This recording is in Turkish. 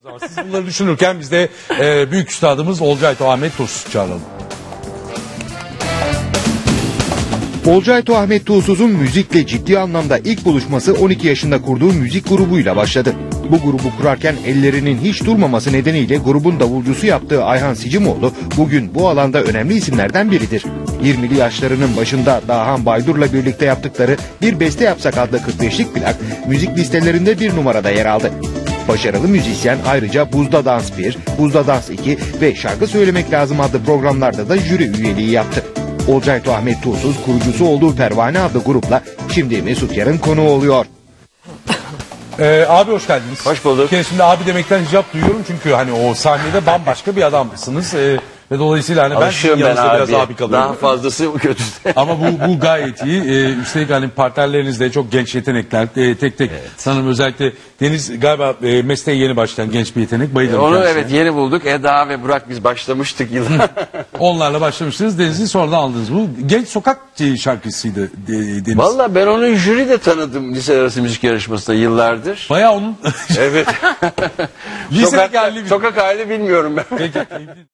Siz bunları düşünürken biz de büyük üstadımız Olcay Ahmet Tuğsuz çağıralım. Olcay Ahmet Tuğsuz'un müzikle ciddi anlamda ilk buluşması 12 yaşında kurduğu müzik grubuyla başladı. Bu grubu kurarken ellerinin hiç durmaması nedeniyle grubun davulcusu yaptığı Ayhan Sicimoğlu bugün bu alanda önemli isimlerden biridir. 20'li yaşlarının başında Dahan Baydur'la birlikte yaptıkları Bir Beste Yapsak adlı 45'lik plak müzik listelerinde bir numarada yer aldı. Başarılı müzisyen ayrıca Buzda Dans 1, Buzda Dans 2 ve Şarkı Söylemek Lazım adlı programlarda da jüri üyeliği yaptı. Olcay Ahmet Tuğsuz kurucusu olduğu Pervane adlı grupla şimdi Mesut Yar'ın konuğu oluyor. Abi hoş geldiniz. Hoş bulduk. Şimdi abi demekten hicap duyuyorum çünkü hani o sahnede bambaşka bir adamsınız. Ve dolayısıyla hani ben sizin yanınızda biraz abi kalıyorum. Daha fazlası kötü. Ama bu gayet iyi. Üstelik hani partnerleriniz de çok genç yetenekler. Tek tek sanırım özellikle Deniz galiba mesleğe yeni başlayan genç bir yetenek. Bayılırım Onu kendisine. evet yeni bulduk. Eda ve Burak biz başlamıştık yıllar. Onlarla başlamıştınız. Deniz'i sonradan aldınız. Bu genç sokak şarkısıydı Deniz. Valla ben onu jüride tanıdım lise arası müzik yarışmasında yıllardır. Bayağı onun Evet. lisedeki halini Sokak halini bilmiyorum ben. Peki.